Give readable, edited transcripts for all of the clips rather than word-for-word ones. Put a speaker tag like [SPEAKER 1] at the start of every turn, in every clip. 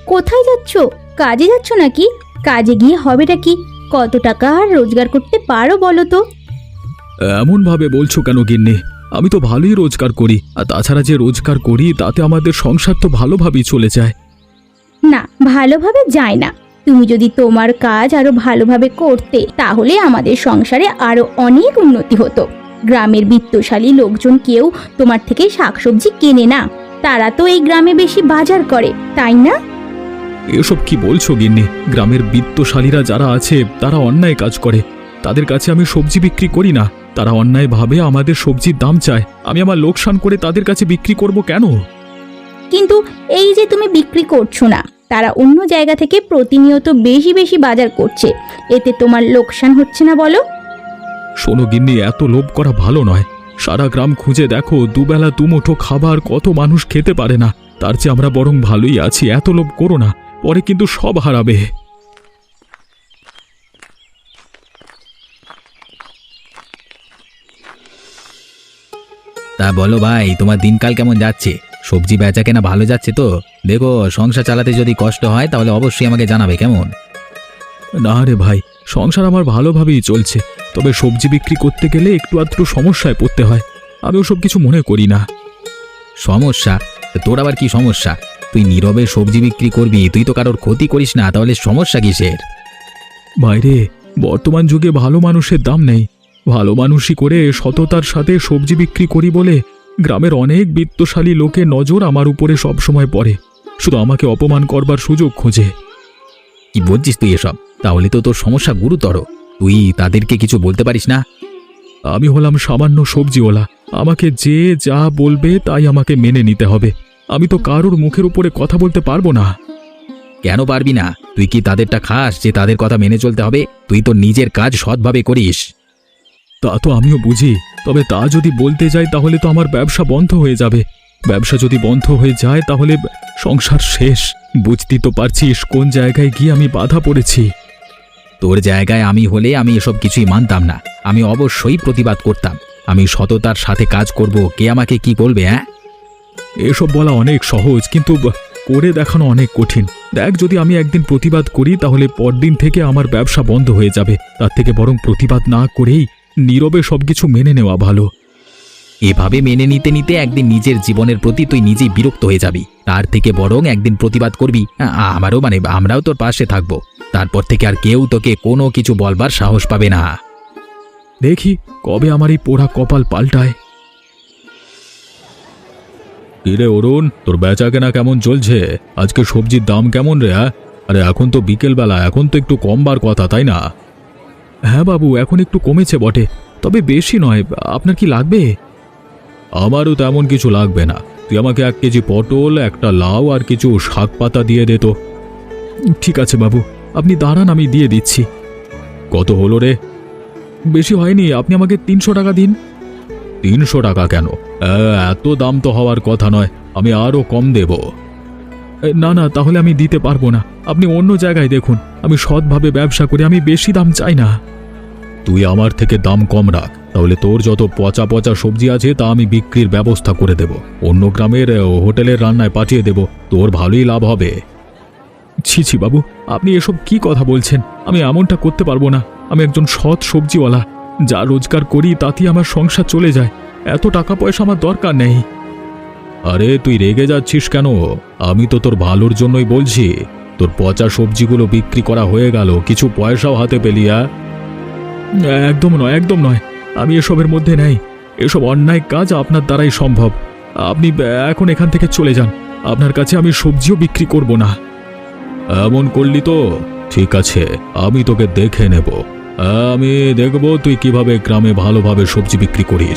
[SPEAKER 1] কোথায় যাচ্ছ? কাজে যাচ্ছ নাকি? কাজে গিয়ে হবেটা কি? কত টাকা আর রোজগার করতে পারো বলো তো?
[SPEAKER 2] এমন ভাবে বলছো কেন গিন্নি? আমি তো ভালোই রোজগার করি, আর তাছাড়া যে রোজগার করি তাতে আমাদের সংসার তো ভালোভাবেই চলে যায়।
[SPEAKER 1] না, ভালোভাবে যায় না। তুমি যদি তোমার কাজ আরো ভালোভাবে করতে তাহলে আমাদের সংসারে আরো অনেক উন্নতি হতো। গ্রামের বিত্তশালী লোকজন কেউ তোমার থেকে শাকসবজি কেনে না, তারা তো এই গ্রামে বেশি বাজার করে, তাই না?
[SPEAKER 2] এসব কি বলছো গিন্নি? গ্রামের বিত্তশালীরা যারা আছে তারা অন্যায় কাজ করে, তাদের কাছে আমি সবজি বিক্রি করি না। তারা অন্যায়ভাবে আমাদের সবজির দাম চায়, আমি আমার লোকসান করে তাদের কাছে বিক্রি করব কেন?
[SPEAKER 1] কিন্তু এই যে তুমি বিক্রি করছো না, তারা অন্য জায়গা থেকে প্রতিনিয়ত বেশি বেশি বাজার করছে, এতে তোমার লোকসান হচ্ছে না বলো?
[SPEAKER 2] শোনো গিন্নি, এত লোভ করা ভালো নয়। সারা গ্রাম খুঁজে দেখো, দুবেলা দুমুঠো খাবার কত মানুষ খেতে পারে না। তার চেয়ে আমরা বরং ভালোই আছি। এত লোভ করো না, পরে কিন্তু সব হারাবে।
[SPEAKER 3] তা বলো ভাই, তোমার দিনকাল কেমন যাচ্ছে? সবজি বেচা কেনা ভালো যাচ্ছে তো? দেখো, সংসার চালাতে যদি কষ্ট হয় তাহলে অবশ্যই আমাকে জানাবে, কেমন?
[SPEAKER 2] না রে ভাই, সংসার আমার ভালোভাবেই চলছে, তবে সবজি বিক্রি করতে গেলে একটু আধটু সমস্যায় পড়তে হয়। আমি ওসব কিছু মনে করি না।
[SPEAKER 3] সমস্যা? তোর আবার কি সমস্যা? তুই নীরবে সবজি বিক্রি করবি, তুই তো কারোর ক্ষতি করিস না, তাহলে সমস্যা কিসের?
[SPEAKER 2] বাইরে বর্তমান যুগে ভালো মানুষের দাম নেই। ভালো মানুষই করে সততার সাথে সবজি বিক্রি করি বলে গ্রামের অনেক বিত্তশালী লোকের নজর আমার উপরে সবসময় পড়ে, শুধু আমাকে অপমান করবার সুযোগ খোঁজে।
[SPEAKER 3] কি বলছিস তুই এসব? তাহলে তো তোর সমস্যা গুরুতর। তুই তাদেরকে কিছু বলতে পারিস না?
[SPEAKER 2] আমি হলাম সামান্য সবজিওয়ালা, আমাকে যে যা বলবে তাই আমাকে মেনে নিতে হবে। আমি তো কারোর মুখের উপরে কথা বলতে পারবো না।
[SPEAKER 3] কেন পারবি না? তুই কি তাদেরটা খাস যে তাদের কথা মেনে চলতে হবে? তুই তো নিজের কাজ সৎভাবে করিস।
[SPEAKER 2] তা তো আমিও বুঝি, তবে তা যদি বলতে যাই তাহলে তো আমার ব্যবসা বন্ধ হয়ে যাবে। ব্যবসা যদি বন্ধ হয়ে যায় তাহলে সংসার শেষ। বুঝতেই তো পারছিস কোন জায়গায় গিয়ে আমি বাধা পড়েছি।
[SPEAKER 3] তোর জায়গায় আমি হলে আমি এসব কিছুই মানতাম না, আমি অবশ্যই প্রতিবাদ করতাম। আমি সততার সাথে কাজ করব, কে আমাকে কি বলবে? হ্যাঁ,
[SPEAKER 2] এসব বলা অনেক সহজ, কিন্তু করে দেখানো অনেক কঠিন। দেখ, যদি আমি একদিন প্রতিবাদ করি তাহলে পরদিন থেকে আমার ব্যবসা বন্ধ হয়ে যাবে। তার থেকে বরং প্রতিবাদ না করেই নীরবে সবকিছু মেনে নেওয়া ভালো।
[SPEAKER 3] এভাবে মেনে নিতে নিতে একদিন নিজের জীবনের প্রতি তুই নিজেই বিরক্ত হয়ে যাবি। তার থেকে বরং একদিন প্রতিবাদ করবি, আমারও আমরাও তোর পাশে থাকবো। তারপর থেকে আর কেউ তোকে কোনো কিছু বলবার সাহস পাবে না।
[SPEAKER 2] দেখি কবে আমার এই পোড়া কপাল পাল্টায়। কিরে অরুণ, তোর বেচা কেনা কেমন চলছে? আজকে সবজির দাম কেমন রে? আরে এখন তো বিকেলবেলা, এখন তো একটু কমবার কথা, তাই না? হ্যাঁ বাবু, এখন একটু কমেছে বটে, তবে বেশি নয়। আপনার কি লাগবে? আমারও তেমন কিছু লাগবে না। তুই আমাকে 1 কেজি পটল, একটা লাউ আর কিছু শাক পাতা দিয়ে দে তো। ঠিক আছে বাবু, আপনি দাঁড়ান, আমি দিয়ে দিচ্ছি। কত হলো রে? বেশি হয়নি, আপনি আমাকে 300 টাকা দিন। 300 টাকা কেন? এত দাম তো হওয়ার কথা নয়, আমি আরও কম দেব। না না, তাহলে আমি দিতে পারবো না। আপনি অন্য জায়গায় দেখুন, আমি সৎভাবে ব্যবসা করি, আমি বেশি দাম চাই না। তুই আমার থেকে দাম কম রাখ, তাহলে তোর যত পচা পচা সবজি আছে তা আমি বিক্রির ব্যবস্থা করে দেব, অন্য গ্রামের হোটেলের রান্নায় পাঠিয়ে দেব, তোর ভালোই লাভ হবে। ছি ছি বাবু, আপনি এসব কি কথা বলছেন? আমি এমনটা করতে পারবো না। আমি একজন সৎ সবজিওয়ালা, যা রোজগার করি তাতেই আমার সংসার চলে যায়। এত টাকা পয়সা আমার দরকার নেই। আরে তুই রেগে যাচ্ছিস কেন? আমি তো তোর ভালোর জন্যই বলছি। তোর পচা সবজিগুলো বিক্রি করা হয়ে গেল, কিছু পয়সাও হাতে পেলি। একদম নয়, একদম নয়, আমি এসবের মধ্যে নেই। এসব অন্যায় কাজ আপনার দ্বারাই সম্ভব। আপনি এখন এখান থেকে চলে যান, আপনার কাছে আমি সবজিও বিক্রি করব না। এমন করলি তো? ঠিক আছে, আমি তোকে দেখে নেব। আমি দেখব তুই কিভাবে গ্রামে ভালোভাবে সবজি বিক্রি করিস।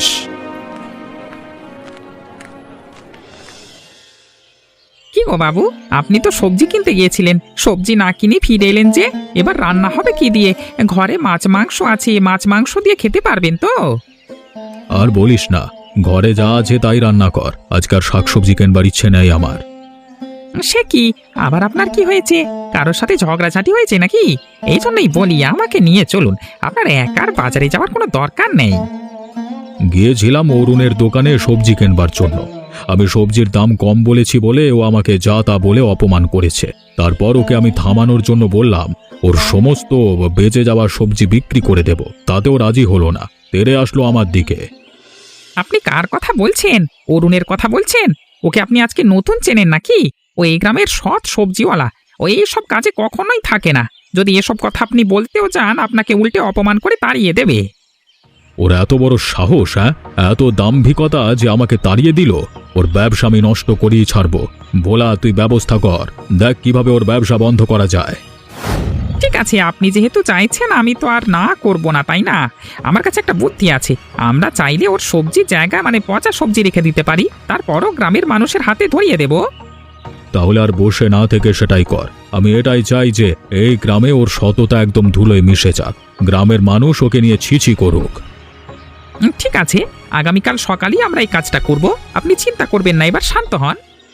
[SPEAKER 4] কি গো বাবু, আপনি তো সবজি কিনতে গিয়েছিলেন, সবজি না কিনে ফিরে এলেন যে? এবার রান্না হবে কি দিয়ে? ঘরে মাছ মাংস আছে, মাছ মাংস দিয়ে খেতে পারবেন তো?
[SPEAKER 2] আর বলিস না, ঘরে যা আছে তাই রান্না কর। আজকাল শাকসবজি কেনবার ইচ্ছে নেই আমার।
[SPEAKER 4] সে কি, আবার আপনার কি হয়েছে? কারোর সাথে ঝগড়াঝাটি হয়েছে নাকি? এই জন্যই বলি আমাকে নিয়ে চলুন, আপনার একার বাজারে যাওয়ার কোনো দরকার নেই।
[SPEAKER 2] গিয়েছিলাম অরুণের দোকানে সবজি কেনবার জন্য। আমি সবজির দাম কম বলেছি বলে ও আমাকে যা তা বলে অপমান করেছে। তারপর ওকে আমি থামানোর জন্য বললাম ওর সমস্ত বেঁচে যাওয়া সবজি বিক্রি করে দেব, তাতেও রাজি হলো না, তেড়ে আসলো আমার দিকে।
[SPEAKER 4] আপনি কার কথা বলছেন? অরুণের কথা বলছেন? ওকে আপনি আজকে নতুন চেনেন নাকি? ও এই গ্রামের সৎ সবজিওয়ালা। ও এইসব কাজে কখনোই থাকে না। যদি এসব কথা আপনি বলতেও চান, আপনাকে উল্টে অপমান করে তাড়িয়ে দেবে।
[SPEAKER 2] ওর এত বড় সাহস, হ্যাঁ? এত দাম্ভিকতা যে আমাকে তাড়িয়ে দিল। ওর ব্যবসা আমি নষ্ট করেই ছাড়বো। ভোলা, তুই ব্যবস্থা কর, দেখ কিভাবে ওর ব্যবসা বন্ধ করা যায়।
[SPEAKER 4] ঠিক আছে, আপনি যেহেতু চাইছেন, আমি তো আর না করব না, তাই না? আমার কাছে একটা বুদ্ধি আছে। আমরা চাইলে ওর সবজি জায়গা মানে পচা সবজি রেখে দিতে পারি, তারপরও গ্রামের মানুষের হাতে ধরিয়ে দেব।
[SPEAKER 2] তাহলে আর বসে না থেকে সেটাই কর। আমি এটাই চাই যে এই গ্রামে ওর সততা একদম ধুলোয় মিশে যাক, গ্রামের মানুষ ওকে নিয়ে ছিছি করুক।
[SPEAKER 4] ঠিক আছে, আগামীকাল সকালেই আমরা এই কাজটা করব। আপনি চিন্তা করবেন না, এবার শান্ত হন।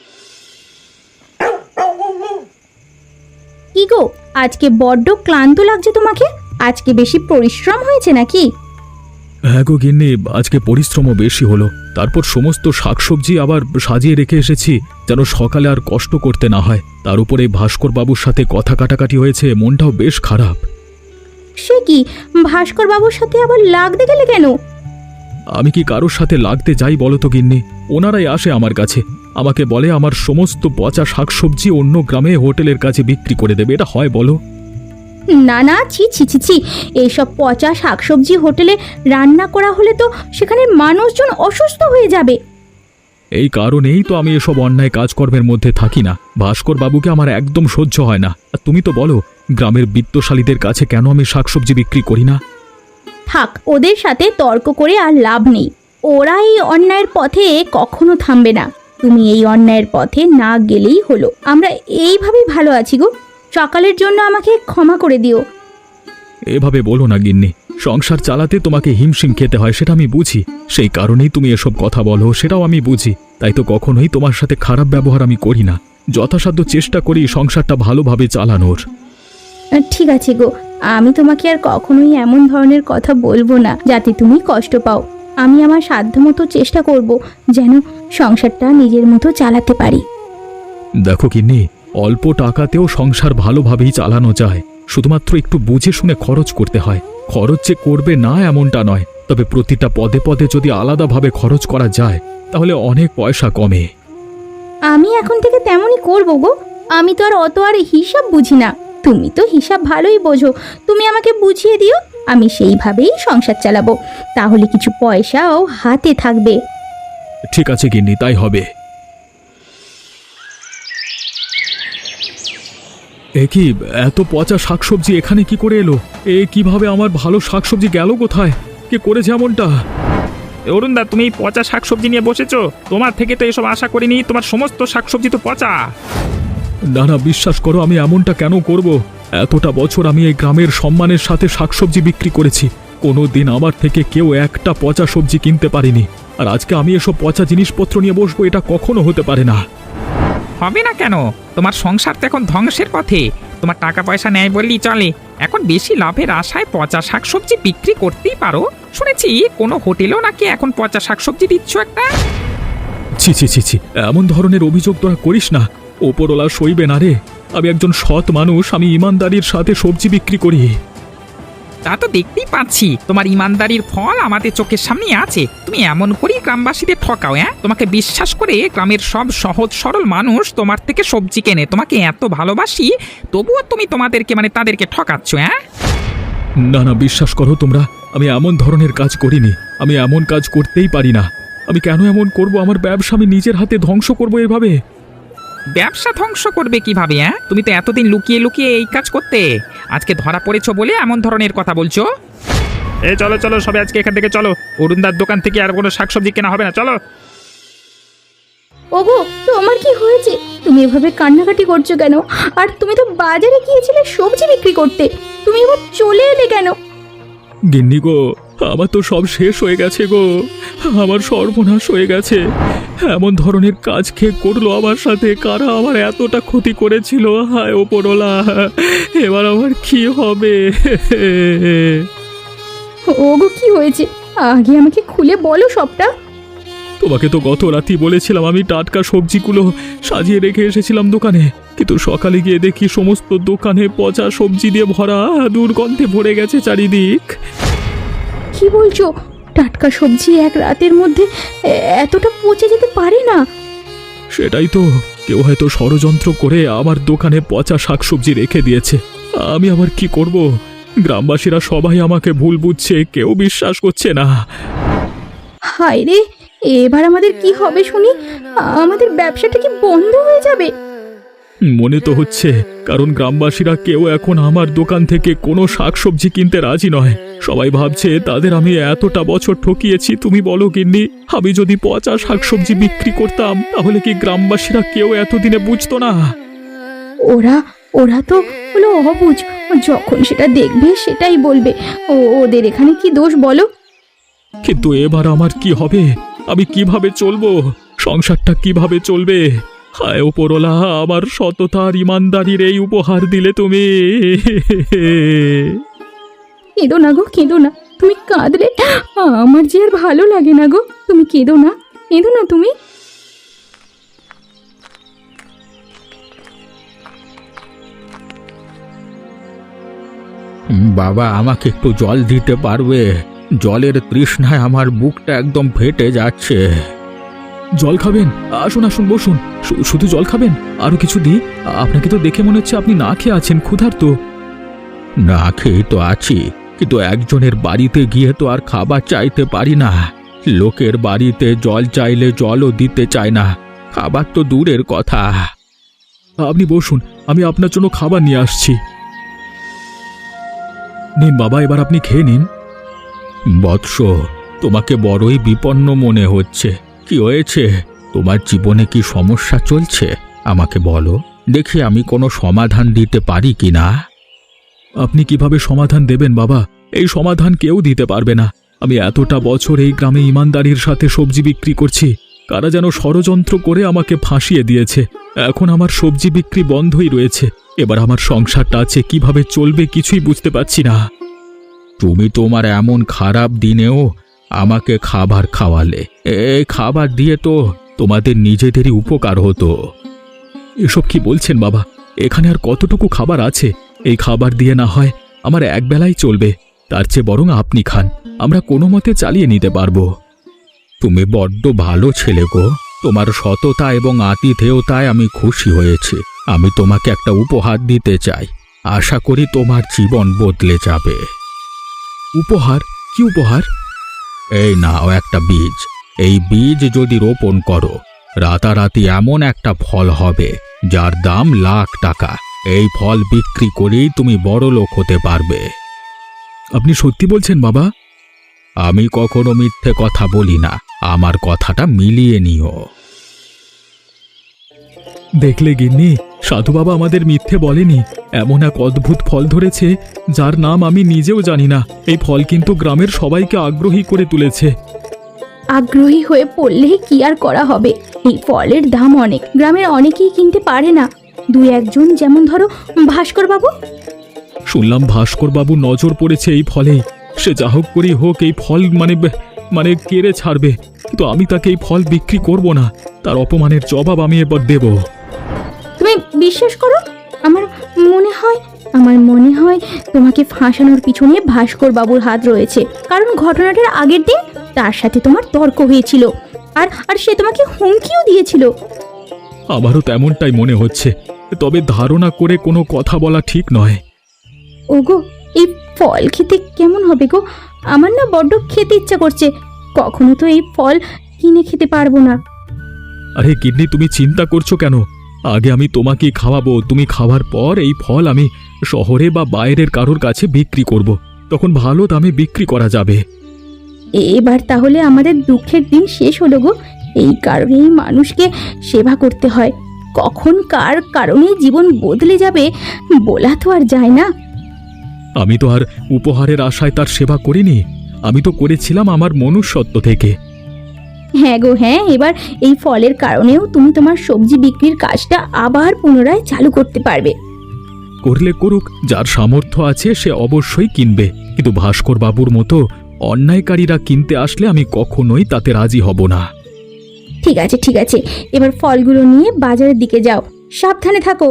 [SPEAKER 1] কি গো, আজকে বড্ড ক্লান্ত লাগছে তোমাকে? আজকে বেশি পরিশ্রম হয়েছে নাকি?
[SPEAKER 2] হ্যাঁ গো গিন্নি, আজকে পরিশ্রমও বেশি হলো। তারপর সমস্ত শাকসবজি আবার সাজিয়ে রেখে এসেছি যেন সকালে আর কষ্ট করতে না হয়। তার উপরে ভাস্কর বাবুর সাথে কথা কাটাকাটি হয়েছে, মনটাও বেশ খারাপ।
[SPEAKER 1] সে কি, ভাস্কর বাবুর সাথে আবার লাগতে গেলে কেন?
[SPEAKER 2] আমি কি কারোর সাথে লাগতে যাই বলো তো গিন্নি? ওনারাই আসে আমার কাছে, আমাকে বলে আমার সমস্ত পচা শাকসবজি অন্য গ্রামে হোটেলের কাছে বিক্রি করে দেবে। এটা হয় বলো?
[SPEAKER 1] না না, ছি ছি ছি ছি, এইসব পচা শাকসবজি হোটেলে রান্না করা হলে তো সেখানে মানুষজন অসুস্থ হয়ে যাবে।
[SPEAKER 2] এই কারণেই তো আমি এসব অন্যায় কাজকর্মের মধ্যে থাকি না। ভাস্কর বাবুকে আমার একদম সহ্য হয় না। আর তুমি তো বলো, গ্রামের বিত্তশালীদের কাছে কেন আমি শাকসবজি বিক্রি করি না?
[SPEAKER 1] থাক, ওদের সাথে তর্ক করে আর লাভ নেই। ওরা এই অন্যায়ের পথে কখনো থামবে না। তুমি এই অন্যায়ের পথে না গেলেই হলো। আমরা এইভাবেই ভালো আছি গো। সকালের জন্য আমাকে ক্ষমা করে দিও।
[SPEAKER 2] এভাবে বলো না গিন্নি, সংসার চালাতে তোমাকে হিমশিম খেতে হয়, সেটা আমি বুঝি। সেই কারণেই তুমি এসব কথা বলো, সেটাও আমি বুঝি। তাই তো কখনোই তোমার সাথে খারাপ ব্যবহার আমি করি না। যথাসাধ্য চেষ্টা করি সংসারটা ভালোভাবে চালানোর।
[SPEAKER 1] ঠিক আছে গো, আমি তোমাকে আর কখনোই এমন ধরনের কথা বলবো না যাতে তুমি কষ্ট পাও। আমি আমার সাধ্যমতো চেষ্টা করব যেন সংসারটা নিজের মতো চালাতে পারি।
[SPEAKER 2] দেখো গিন্নি, অল্প টাকাতেও সংসার ভালোভাবেই চালানো যায়, শুধুমাত্র একটু বুঝে শুনে খরচ করতে হয়। খরচ যে করবে না এমনটা নয়, তবে প্রতিটা পদে পদে যদি আলাদাভাবে খরচ করা যায় তাহলে অনেক পয়সা কমে।
[SPEAKER 1] আমি এখন থেকে তেমনই করব গো। আমি তো আর অত আর হিসাব বুঝি না। তুমি তো হিসাব ভালোই বোঝো, তুমি আমাকে বুঝিয়ে দিও, আমি সেইভাবেই সংসার চালাবো। তাহলে কিছু পয়সাও হাতে থাকবে।
[SPEAKER 2] ঠিক আছে গিন্নি, তাই হবে। এ কি, এত পচা শাকসবজি এখানে কি করে এলো? কিভাবে আমার ভালো শাকসবজি গেল কোথায়? কে করেছে এমনটা?
[SPEAKER 4] অরুণদা, তুমি এই পচা শাকসবজি নিয়ে বসেছো? তোমার থেকে তো এসব আশা করিনি। তোমার সমস্ত শাকসবজি তো পচা।
[SPEAKER 2] না না, বিশ্বাস করো, আমি এমনটা কেন করব? এতটা বছর আমি এই গ্রামের সম্মানের সাথে শাকসবজি বিক্রি করেছি, কোনো দিন আমার থেকে কেউ একটা পচা সবজি কিনতে পারেনি। আর আজকে আমি এসব পচা জিনিসপত্র নিয়ে বসবো, এটা কখনো হতে পারে না।
[SPEAKER 4] হবে না কেন? তোমার সংসার তো এখন ধ্বংসের পথে। তোমার টাকা পয়সা নেয় বললেই চলে। এখন বেশি লাভের আশায় পচা শাকসবজি বিক্রি করতেই পারো। শুনেছি কোনো হোটেলেও নাকি এখন পচা শাকসবজি দিচ্ছ একটা।
[SPEAKER 2] ছি ছি ছি ছি, এমন ধরনের অভিযোগ তোরা করিস না। ওপরওয়ালা সইবে না রে। আমি একজন সৎ মানুষ, আমি ইমানদারির সাথে সবজি বিক্রি করি।
[SPEAKER 4] তা তো দেখতেই পাচ্ছি, তোমার ইমানদারির ফল আমাদের চোখের সামনে আছে। তুমি এমন করেই গ্রামবাসীদের ঠকাও। তোমাকে বিশ্বাস করে গ্রামের সব সহজ সরল মানুষ তোমার থেকে সবজি কেনে। তোমাকে এত ভালোবাসি, তবুও তুমি তোমাদেরকে মানে তাদেরকে ঠকাচ্ছ।
[SPEAKER 2] না না, বিশ্বাস করো তোমরা, আমি এমন ধরনের কাজ করিনি। আমি এমন কাজ করতেই পারি না। আমি কেন এমন করব? আমার ব্যবসা আমি নিজের হাতে ধ্বংস করব এভাবে?
[SPEAKER 4] ব্যবসা ধ্বংস করবে কিভাবে? তুমি তো এতদিন লুকিয়ে লুকিয়ে এই কাজ করতে, আজকে ধরা পড়েছো বলে এমন ধরনের কথা বলছো। এই চলো চলো, সবাই আজকে এখান থেকে চলো। অরুণদার দোকান থেকে আর কোনো শাকসবজি কেনা হবে না, চলো।
[SPEAKER 1] ওগো, তোমার কি হয়েছে? তুমি এভাবে কান্নাকাটি করছো কেন? আর তুমি তো বাজারে গিয়েছিলে সবজি বিক্রি করতে, তুমি এবার চলে এলে কেন?
[SPEAKER 2] গিন্নি গো, আমার তো সব শেষ হয়ে গেছে গো। আমার সর্বনাশ হয়ে গেছে। এমন ধরনের কাজ কে করলো আমার সাথে? কারা আমার এতটা ক্ষতি করেছিল? হায় ওপরওয়ালা, এবার আমার কি হবে?
[SPEAKER 1] ওগো, কি হয়েছে? আগে আমাকে খুলে বলো সবটা।
[SPEAKER 2] তোমাকে তো গত রাতেই বলেছিলাম, আমি টাটকা সবজিগুলো সাজিয়ে রেখে এসেছিলাম দোকানে। কিন্তু সকালে গিয়ে দেখি সমস্ত দোকানে পচা সবজি দিয়ে ভরা, দুর্গন্ধে ভরে গেছে চারিদিক।
[SPEAKER 1] কি বলছো? টাটকা সবজি এক রাতের মধ্যে এতটা পচে যেতে পারে না।
[SPEAKER 2] সেটাই তো, কেউ হয়তো ষড়যন্ত্র করে আমার দোকানে পচা শাকসবজি রেখে দিয়েছে। আমি আবার কি করব? গ্রামবাসীরা সবাই আমাকে ভুল বুঝছে, কেউ বিশ্বাস করছে না।
[SPEAKER 1] হায় রে, এবার আমাদের কি হবে শুনি? আমাদের ব্যবসাটা কি বন্ধ হয়ে যাবে?
[SPEAKER 2] মনে তো হচ্ছে, কারণ গ্রামবাসীরা কেউ এখন আমার দোকান থেকে কোনো শাকসবজি কিনতে রাজি নয়। সবাই ভাবছে তাদের আমি এতটা বছর ঠকিয়েছি। তুমি বলো গিন্নি, আমি যদি পচা শাকসবজি বিক্রি করতাম তাহলে কি গ্রামবাসীরা কেউ এতদিনে বুঝতো না?
[SPEAKER 1] ওরা তো হলো অবুঝ, যখন সেটা দেখবে সেটাই বলবে। ওদের এখানে কি দোষ বলো?
[SPEAKER 2] কিন্তু এবার আমার কি হবে? আমি কিভাবে চলবো? সংসারটা কিভাবে চলবে? হায় ওপরওয়ালা, আমার সততা আর ইমানদারির এই উপহার দিলে তুমি।
[SPEAKER 1] কেঁদো না গো, কেঁদো না। তুমি কাঁদলে আমার যে আর ভালো লাগে না গো। তুমি কেঁদো না, কেঁদো না তুমি।
[SPEAKER 3] বাবা, আমাকে একটু জল দিতে পারবে? জলের তৃষ্ণায় আমার বুকটা একদম ফেটে যাচ্ছে।
[SPEAKER 2] জল খাবেন? আসুন আসুন, বসুন। শুধু জল খাবেন? আরো কিছু দিই? আপনাকে তো দেখে মনে হচ্ছে আপনি না খেয়ে আছেন, ক্ষুধার্ত।
[SPEAKER 3] না খেয়ে তো আছি, কিন্তু একজনের বাড়িতে গিয়ে তো আর খাবার চাইতে পারি না। লোকের বাড়িতে জল চাইলে জলও দিতে চায় না, খাবার তো দূরের কথা।
[SPEAKER 2] আপনি বসুন, আমি আপনার জন্য খাবার নিয়ে আসছি। নিন বাবা, এবার আপনি খেয়ে নিন।
[SPEAKER 3] বৎস, তোমাকে বড়ই বিপন্ন মনে হচ্ছে। কি হয়েছে? তোমার জীবনে কি সমস্যা চলছে? আমাকে বলো, দেখি আমি কোনো সমাধান দিতে পারি কিনা।
[SPEAKER 2] আপনি কিভাবে সমাধান দেবেন বাবা? এই সমাধান কেউ দিতে পারবে না। আমি এতটা বছর এই গ্রামে ইমানদারির সাথে সবজি বিক্রি করছি, কারা যেন ষড়যন্ত্র করে আমাকে ফাঁসিয়ে দিয়েছে। এখন আমার সবজি বিক্রি বন্ধই রয়েছে। এবার আমার সংসারটা আছে কিভাবে চলবে কিছুই বুঝতে পারছি না।
[SPEAKER 3] তুমি তোমার এমন খারাপ দিনেও আমাকে খাবার খাওয়ালে, এই খাবার দিয়ে তো তোমাদের নিজেদেরই উপকার হতো।
[SPEAKER 2] এসব কি বলছেন বাবা? এখানে আর কতটুকু খাবার আছে? এই খাবার দিয়ে না হয় আমার একবেলাই চলবে, তার চেয়ে বরং আপনি খান, আমরা কোনো মতে চালিয়ে নিতে পারবো।
[SPEAKER 3] তুমি বড্ড ভালো ছেলে গো, তোমার সততা এবং আতিথেয়তায় আমি খুশি হয়েছি। আমি তোমাকে একটা উপহার দিতে চাই, আশা করি তোমার জীবন বদলে যাবে।
[SPEAKER 2] উপহার? কি উপহার?
[SPEAKER 3] এই নাও একটা বীজ। এই বীজ যদি রোপণ করো, রাতারাতি এমন একটা ফল হবে যার দাম লাখ টাকা। এই ফল বিক্রি করেই তুমি বড়লোক হতে পারবে।
[SPEAKER 2] আপনি সত্যি বলছেন বাবা?
[SPEAKER 3] আমি কখনো মিথ্যে কথা বলি না, আমার কথাটা মিলিয়ে নিও।
[SPEAKER 2] দেখলে গিন্নি, সাধু বাবা আমাদের মিথ্যে বলেনি। এমন এক অদ্ভুত ফল ধরেছে যার নাম আমি নিজেও জানি না। এই ফল কিন্তু গ্রামের সবাইকে আগ্রহী করে তুলেছে।
[SPEAKER 1] আগ্রহী হয়ে পড়লে কি আর করা হবে? এই ফলের দাম অনেক, গ্রামের অনেকেই কিনতে পারে না। দুই একজন, যেমন ধরো ভাস্কর বাবু।
[SPEAKER 2] শুনলাম ভাস্কর বাবু নজর পড়েছে এই ফলেই। সে যা হোক করেই হোক এই ফল মানে কেড়ে ছাড়বে, কিন্তু আমি তাকে এই ফল বিক্রি করব না। তার অপমানের জবাব আমি এবার দেব।
[SPEAKER 1] তুমি বিশ্বাস করো, আমার মনে হয় তোমাকে ফাঁসানোর পিছনে ভাস্কর বাবুর হাত রয়েছে। কারণ ঘটনাটার আগের দিন তার সাথে তোমার তর্ক হয়েছিল, আর সে তোমাকে হুমকিও দিয়েছিল।
[SPEAKER 2] আমারও তেমনটাই মনে হচ্ছে, তবে ধারণা করে কোনো কথা বলা ঠিক নয়।
[SPEAKER 1] ওগো, এই ফল খেতে কেমন হবে গো? আমার না বড্ড খেতে ইচ্ছা করছে। কখনো তো এই ফল কিনে খেতে পারবো না।
[SPEAKER 2] আরে কিডনি, তুমি চিন্তা করছো কেন? আগে আমি তোমাকেই খাওয়াবো, তুমি খাওয়ার পর এই ফল আমি শহরে বা বাইরের কারোর কাছে বিক্রি করব। তখন ভালো দামে বিক্রি করা যাবে।
[SPEAKER 1] এবার তাহলে আমাদের দুঃখের দিন শেষ হলো গো। এই কারণেই মানুষকে সেবা করতে হয়। কখন কার কারণে জীবন বদলে যাবে বলা তো আর যায় না।
[SPEAKER 2] আমি তো আর উপহারের আশায় তার সেবা করিনি, আমি তো করেছিলাম আমার মনুষ্যত্ব থেকে।
[SPEAKER 1] হ্যাঁ গো হ্যাঁ, এবার এই ফলের কারণেও তুমি তোমার সবজি বিক্রির কাজটা আবার পুনরায় চালু করতে পারবে।
[SPEAKER 2] করলে করুক, যার সামর্থ্য আছে সে অবশ্যই কিনবে, কিন্তু ভাস্কর বাবুর মতো অন্যায়কারীরা কিনতে আসলে আমি কখনোই তাতে রাজি হব না।
[SPEAKER 1] ঠিক আছে, এবার ফলগুলো নিয়ে বাজারের দিকে যাও। সাবধানে থাকো।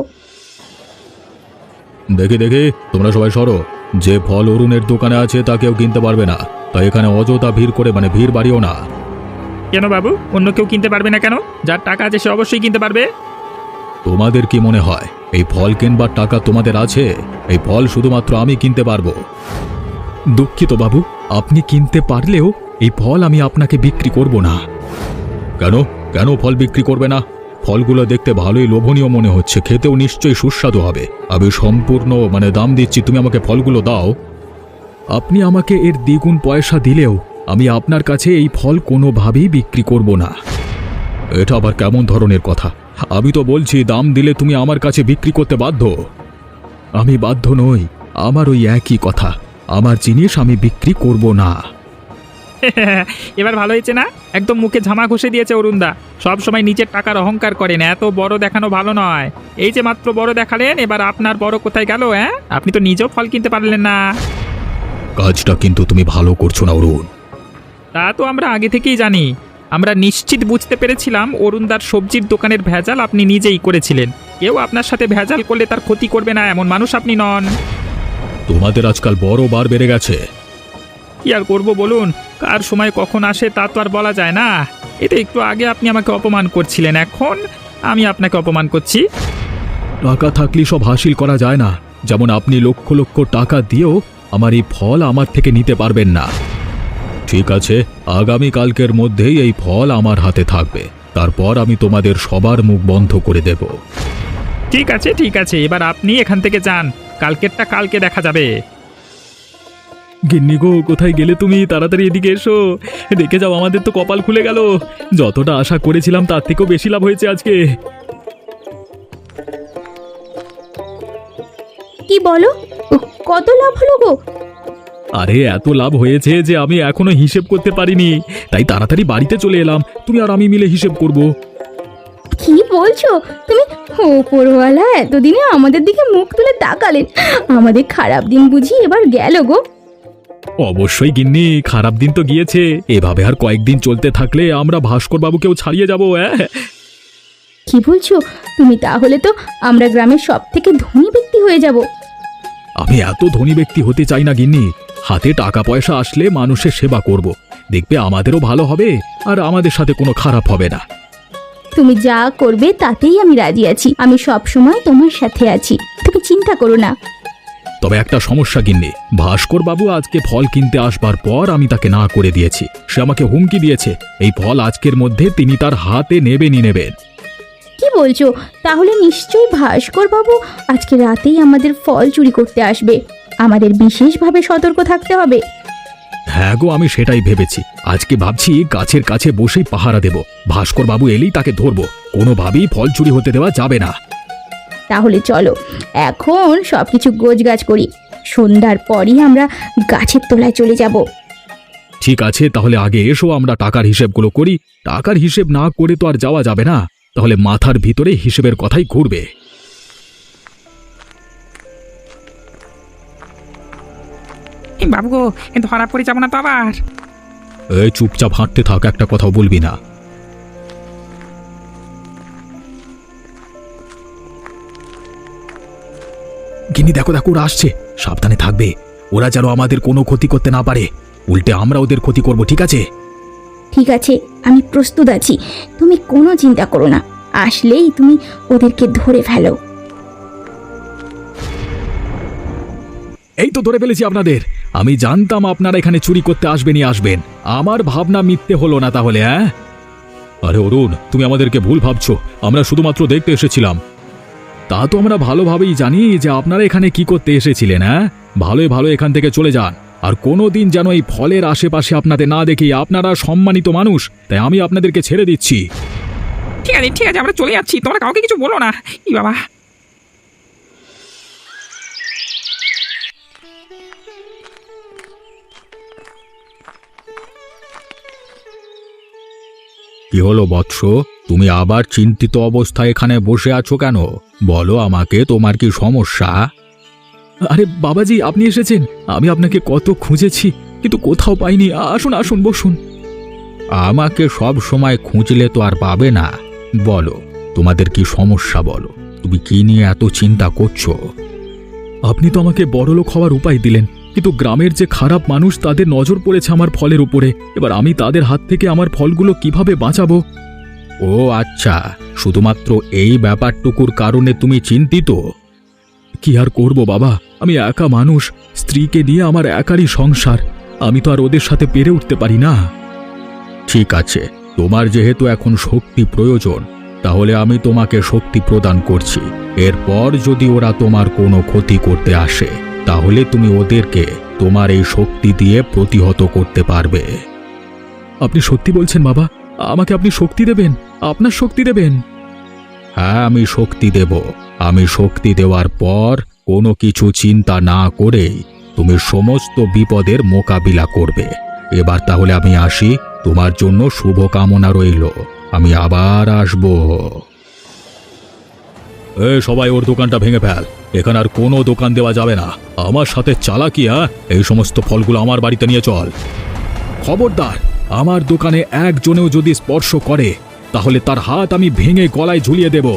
[SPEAKER 2] দেখি দেখি, তোমরা সবাই সরো। যে ফল অরুণের দোকানে আছে তা কেউ কিনতে পারবে না, তাই এখানে অযথা ভিড় করে ভিড় বাড়িও না।
[SPEAKER 4] কেন বাবু, অন্য কেউ কিনতে পারবে না কেন? যার টাকা আছে সে অবশ্যই কিনতে পারবে।
[SPEAKER 2] তোমাদের কি মনে হয় এই ফল কিনবার টাকা তোমাদের আছে? এই ফল শুধুমাত্র আমি কিনতে পারবো। দুঃখিত বাবু, আপনি কিনতে পারলেও এই ফল আমি আপনাকে বিক্রি করব না। কেন কেন ফল বিক্রি করবে না? ফলগুলো দেখতে ভালোই লোভনীয় মনে হচ্ছে, খেতেও নিশ্চয়ই সুস্বাদু হবে। আমি সম্পূর্ণ দাম দিচ্ছি, তুমি আমাকে ফলগুলো দাও। আপনি আমাকে এর দ্বিগুণ পয়সা দিলেও আমি আপনার কাছে এই ফল কোনোভাবেই বিক্রি করব না। এটা আবার কেমন ধরনের কথা? আমি তো বলছি দাম দিলে তুমি আমার কাছে বিক্রি করতে বাধ্য। আমি বাধ্য নই, আমার ওই একই কথা, আমার জিনিস আমি বিক্রি করব না।
[SPEAKER 4] এবার ভালো হয়েছে না? একদম মুখে ঝামা ঘষে দিয়েছে অরুণদা। সব সময় নিজের টাকার অহংকার করেন, এত বড় দেখানো ভালো নয়। এই যে মাত্র বড় দেখালেন, এবার আপনার বড় কোথায় গেল? আপনি তো নিজেও ফল কিনতে পারলেন না।
[SPEAKER 2] কাজটা কিন্তু তুমি ভালো করছো না অরুণ।
[SPEAKER 4] তা তো আমরা আগে থেকেই জানি। আমরা নিশ্চিত বুঝতে পেরেছিলাম অরুণদার সবজির দোকানের ভেজাল আপনি নিজেই করেছিলেন। কেউ আপনার সাথে ভেজাল করলে তার ক্ষতি করবে না এমন মানুষ আপনি নন।
[SPEAKER 2] তোমাদের আজকাল বড় বার বেড়ে গেছে।
[SPEAKER 4] কি আর করব বলুন, কার সময় কখন আসে তা তো আর বলা যায় না। এটা একটু আগে আপনি আমাকে অপমান করছিলেন, এখন আমি আপনাকে অপমান করছি।
[SPEAKER 2] টাকা থাকলে সব হাসিল করা যায় না। যেমন আপনি লক্ষ লক্ষ টাকা দিয়েও আমার এই ফল আমার থেকে নিতে পারবেন না। ঠিক আছে, আগামী কালকের মধ্যেই এই ফল আমার হাতে থাকবে, তারপর আমি তোমাদের সবার মুখ বন্ধ করে দেব।
[SPEAKER 4] ঠিক আছে ঠিক আছে, এবার আপনি এখান থেকে যান, কালকেরটা কালকে দেখা যাবে।
[SPEAKER 2] গিন্নি গো, কোথায় গেলে তুমি? তাড়াতাড়ি এদিকে এসো, দেখে যাও আমাদের তো কপাল খুলে গেল। যতটা আশা করেছিলাম তার থেকেও বেশি লাভ হয়েছে আজকে।
[SPEAKER 1] কি বলো? কত লাভ হলো গো?
[SPEAKER 2] আরে এত লাভ হয়েছে যে আমি এখনো হিসেব করতে পারিনি, তাই তাড়াতাড়ি বাড়িতে চলে এলাম। তুমি আর আমি মিলে হিসেব করব।
[SPEAKER 1] কি বলছো তুমি? ওপরওয়ালা এতদিনে আমাদের দিকে মুখ তুলে তাকালেন, আমাদের খারাপ দিন বুঝি এবার গেল গো।
[SPEAKER 2] অবশ্যই গিন্নি, খারাপ দিন তো গিয়েছে। এভাবে আর কয়েকদিন চলতে থাকলে আমরা ভাস্কর বাবুকেও ছাড়িয়ে যাবো।
[SPEAKER 1] কি বলছো তুমি? তাহলে তো আমরা গ্রামের সব থেকে ধনী ব্যক্তি হয়ে যাব।
[SPEAKER 2] আমি এত ধনী ব্যক্তি হতে চাই না গিন্নি। হাতে টাকা পয়সা আসলে মানুষের সেবা করব, দেখবে আমাদেরও ভালো হবে আর আমাদের সাথে কোনো খারাপ হবে না।
[SPEAKER 1] তুমি যা করবে তাতেই আমি রাজি আছি, আমি সব সময় তোমার সাথে আছি, তুমি চিন্তা করো না।
[SPEAKER 2] তবে একটা সমস্যা গিন্নি, ভাস্কর বাবু আজকে ফল কিনতে আসবার পর আমি তাকে না করে দিয়েছি। সে আমাকে হুমকি দিয়েছে এই ফল আজকের মধ্যে তিনি তার হাতে নেবেনই নেবেন।
[SPEAKER 1] কি বলছো? তাহলে নিশ্চয়ই ভাস্কর বাবু আজকে রাতেই আমাদের ফল চুরি করতে আসবে। আমাদের বিশেষভাবে সতর্ক থাকতে হবে।
[SPEAKER 2] হ্যাঁ গো, আমি সেটাই ভেবেছি। আজকে ভাবছি গাছের কাছে বসেই পাহারা দেব, ভাস্কর বাবু এলেই তাকে ধরবো। কোনোভাবেই ফল চুরি হতে দেওয়া যাবে না।
[SPEAKER 1] তাহলে চলো এখন সবকিছু গোছগাছ করি, সন্ধ্যার পরই আমরা গাছের তলায় চলে যাব।
[SPEAKER 2] ঠিক আছে, তাহলে আগে এসো আমরা টাকার হিসেবগুলো করি। টাকার হিসেব না করে তো আর যাওয়া যাবে না, তাহলে মাথার ভিতরে হিসেবের কথাই ঘুরবে।
[SPEAKER 4] বাবু গো, ধরা পড়ে যাবো না তো আবার?
[SPEAKER 2] এই চুপচাপ হাঁটতে থাক, একটা কথাও বলবি না। গিনি দেখো দেখো, ওরা আসছে, সাবধানে থাকবে। ওরা যেন আমাদের কোনো ক্ষতি করতে না পারে, উল্টে আমরা ওদের ক্ষতি করব। ঠিক আছে?
[SPEAKER 1] ঠিক আছে, আমি প্রস্তুত আছি, তুমি কোনো চিন্তা করো না। আসলেই তুমি ওদেরকে ধরে ফেলো।
[SPEAKER 2] এই তো ধরে ফেলেছি আপনাদের। আমি জানতাম আপনারা এখানে চুরি করতে আসবেনই আসবেন। আমার ভাবনা মিথ্যে হলো না তাহলে? আরে অরুণ, তুমি আমাদেরকে ভুল ভাবছো, আমরা শুধুমাত্র দেখতে এসেছিলাম। তা তো আমরা ভালোভাবেই জানি যে আপনারা এখানে কি করতে এসেছিলেন। ভালোই ভালো এখান থেকে চলে যান, আর কোনোদিন যেন এই ফলের আশেপাশে আপনাদের না দেখি। আপনারা সম্মানিত মানুষ, তাই আমি আপনাদেরকে ছেড়ে দিচ্ছি।
[SPEAKER 4] ঠিক আছে ঠিক আছে, আমরা চলে যাচ্ছি, তোমরা কাউকে কিছু বলো না। ই বাবা,
[SPEAKER 2] কি হলো বৎস, তুমি আবার চিন্তিত অবস্থায় এখানে বসে আছো কেন? বলো আমাকে, তোমার কি সমস্যা? আরে বাবাজি, আপনি এসেছেন। আমি আপনাকে কত খুঁজেছি কিন্তু কোথাও পাইনি। আসুন আসুন, বসুন। আমাকে সব সময় খুঁজলে তো আর পাবে না। বলো তোমাদের কি সমস্যা, বলো।
[SPEAKER 3] তুমি কি নিয়ে এত চিন্তা করছো?
[SPEAKER 2] আপনি তো আমাকে বড়লোক হওয়ার উপায় দিলেন, কিন্তু গ্রামের যে খারাপ মানুষ তাদের নজর পড়েছে আমার ফলের উপরে। এবার আমি তাদের হাত থেকে আমার ফলগুলো কিভাবে বাঁচাবো?
[SPEAKER 3] ও আচ্ছা, শুধুমাত্র এই ব্যাপারটুকুর কারণে তুমি চিন্তিত?
[SPEAKER 2] কি আর করব বাবা, আমি একা মানুষ, স্ত্রীকে নিয়ে আমার একারই সংসার। আমি তো আর ওদের সাথে পেরে উঠতে পারি না।
[SPEAKER 3] ঠিক আছে, তোমার যেহেতু এখন শক্তি প্রয়োজন, তাহলে আমি তোমাকে শক্তি প্রদান করছি। এরপর যদি ওরা তোমার কোনো ক্ষতি করতে আসে, তাহলে তুমি ওদেরকে তোমার এই শক্তি দিয়ে প্রতিহত করতে পারবে।
[SPEAKER 2] আপনি সত্যি বলছেন বাবা? আমাকে আপনি শক্তি দেবেন? আপনার শক্তি দেবেন?
[SPEAKER 3] হ্যাঁ, আমি শক্তি দেব। আমি শক্তি দেওয়ার পর কোনো কিছু চিন্তা না করেই তুমি সমস্ত বিপদের মোকাবিলা করবে। এবার তাহলে আমি আসি, তোমার জন্য শুভকামনা রইল। আমি আবার আসব।
[SPEAKER 2] সবাই ওর দোকানটা ভেঙে ফেল, এখানে আর কোনো দোকান দেওয়া যাবে না। আমার সাথে চালাকি? এই সমস্ত ফলগুলো আমার বাড়িতে নিয়ে চল। খবরদার, আমার দোকানে একজনেও যদি স্পর্শ করে তাহলে তার হাত আমি ভেঙে গলায় ঝুলিয়ে দেব।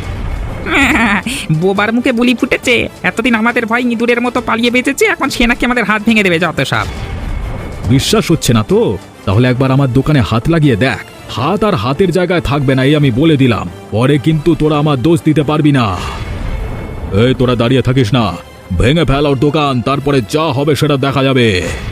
[SPEAKER 4] বোবার মুখে বুলি ফুটেছে। এতদিন আমাদের ভয় ইঁদুরের মতো পালিয়ে বেঁচেছে, এখন সে নাকি আমাদের হাত ভেঙে দেবে। যত সব।
[SPEAKER 2] বিশ্বাস হচ্ছে না তো? তাহলে একবার আমার দোকানে হাত লাগিয়ে দেখ। হাত আর হাতের জায়গায় থাকবে না, এই আমি বলে দিলাম। পরে কিন্তু তোরা আমার দোষ দিতে পারবি না। এই তোরা দাঁড়িয়ে থাকিস না, ভেঙে ফেল ওর দোকান, তারপরে যা হবে সেটা দেখা যাবে।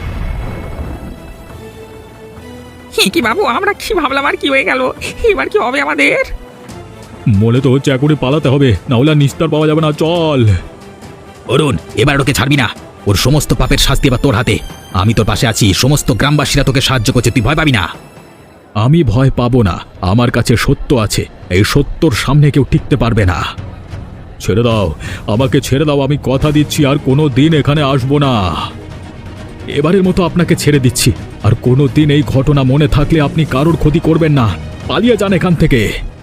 [SPEAKER 4] কি বাবু, আমরা কি ভাবলাম আর কি হয়ে গেল? এবার কি হবে আমাদের?
[SPEAKER 2] মনে তো হচ্ছে এখনই পালাতে হবে, না হলে আর নিস্তার পাওয়া যাবে না। চল
[SPEAKER 3] অরুণ, এবার ওকে ছাড়বি না। ওর সমস্ত পাপের শাস্তি এবার তোর হাতে। আমি তোর পাশে আছি, সমস্ত গ্রামবাসীরা তোকে সাহায্য করছে, তুই ভয় পাবি না।
[SPEAKER 2] আমি ভয় পাবো না, আমার কাছে সত্য আছে। এই সত্যর সামনে কেউ টিকতে পারবে না। ছেড়ে দাও, আমাকে ছেড়ে দাও। আমি কথা দিচ্ছি আর কোনো দিন এখানে আসবো না। এবারের মতো আপনাকে ছেড়ে দিচ্ছি। আর কোনো দিন এই ঘটনা মনে থাকলে আপনি কারোর ক্ষতি করবেন না। পালিয়ে যান এখান থেকে।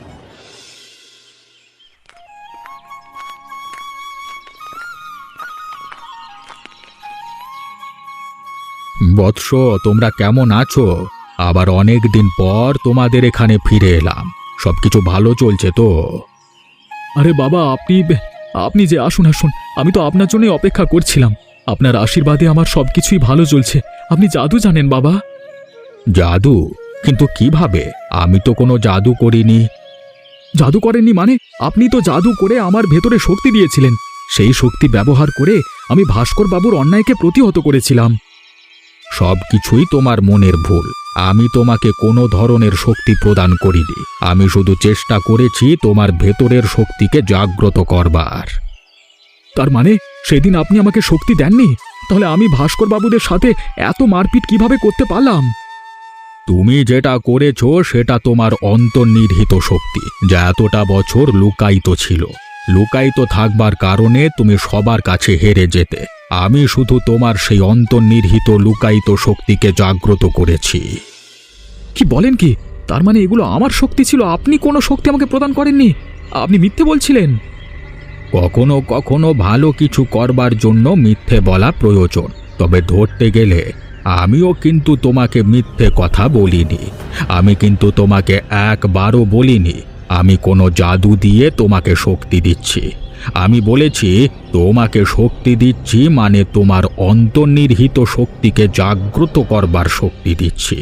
[SPEAKER 3] বৎস, তোমরা কেমন আছো? আবার অনেক দিন পর তোমাদের এখানে ফিরে এলাম। সবকিছু ভালো চলছে তো?
[SPEAKER 2] আরে বাবা, আপনি যে আসুন আসুন, আমি তো আপনার জন্যই অপেক্ষা করছিলাম। আপনার আশীর্বাদে আমার সবকিছুই ভালো চলছে। আপনি জাদু জানেন বাবা?
[SPEAKER 3] জাদু? কিন্তু কিভাবে? আমি তো কোনো জাদু করিনি।
[SPEAKER 2] জাদু করেননি মানে? আপনি তো জাদু করে আমার ভেতরে শক্তি দিয়েছিলেন। সেই শক্তি ব্যবহার করে আমি ভাস্কর বাবুর অন্যায়কে প্রতিহত করেছিলাম।
[SPEAKER 3] সবকিছুই তোমার মনের ভুল। আমি তোমাকে কোনো ধরনের শক্তি প্রদান করিনি। আমি শুধু চেষ্টা করেছি তোমার ভেতরের শক্তিকে জাগ্রত করবার।
[SPEAKER 2] তার মানে সেদিন আপনি আমাকে শক্তি দেননি? তাহলে আমি ভাস্কর বাবুদের সাথে এত মারপিট কিভাবে করতে পারলাম?
[SPEAKER 3] তুমি যেটা করেছো সেটা তোমার অন্তর্নিহিত শক্তি, যা এতটা বছর লুকায়িত ছিল। লুকায়িত থাকবার কারণে তুমি সবার কাছে হেরে যেতে। আমি শুধু তোমার সেই অন্তর্নিহিত লুকায়িত শক্তিকে জাগ্রত করেছি।
[SPEAKER 2] কি বলেন কি? তার মানে এগুলো আমার শক্তি ছিল, আপনি কোনো শক্তি আমাকে প্রদান করেননি? আপনি মিথ্যে বলছিলেন।
[SPEAKER 3] কখনো কখনো ভালো কিছু করবার জন্য মিথ্যে বলা প্রয়োজন, তবে ধরতে গেলে আমিও কিন্তু তোমাকে মিথ্যে কথা বলিনি। আমি কিন্তু তোমাকে একবারও বলিনি আমি কোনো জাদু দিয়ে তোমাকে শক্তি দিচ্ছি। আমি বলেছি তোমাকে শক্তি দিচ্ছি মানে তোমার অন্তর্নিহিত শক্তিকে জাগ্রত করবার শক্তি দিচ্ছি।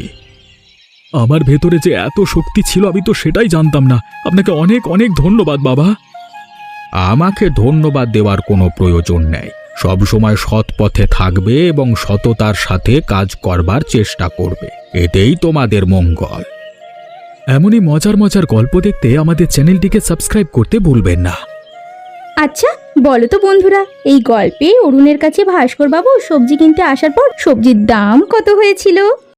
[SPEAKER 2] আমার ভেতরে যে এত শক্তি ছিল আমি তো সেটাই জানতাম না। আপনাকে অনেক অনেক ধন্যবাদ বাবা।
[SPEAKER 3] আমাকে ধন্যবাদ দেওয়ার কোনো প্রয়োজন নেই। সবসময় সৎ পথে থাকবে এবং সততার সাথে কাজ করবার চেষ্টা করবে, এটাই তোমাদের মঙ্গল।
[SPEAKER 2] এমনই মজার মজার গল্প দেখতে আমাদের চ্যানেলটিকে সাবস্ক্রাইব করতে ভুলবেন না।
[SPEAKER 1] আচ্ছা বলো তো বন্ধুরা, এই গল্পে অরুণের কাছে ভাস্কর বাবু সবজি কিনতে আসার পর সবজির দাম কত হয়েছিল?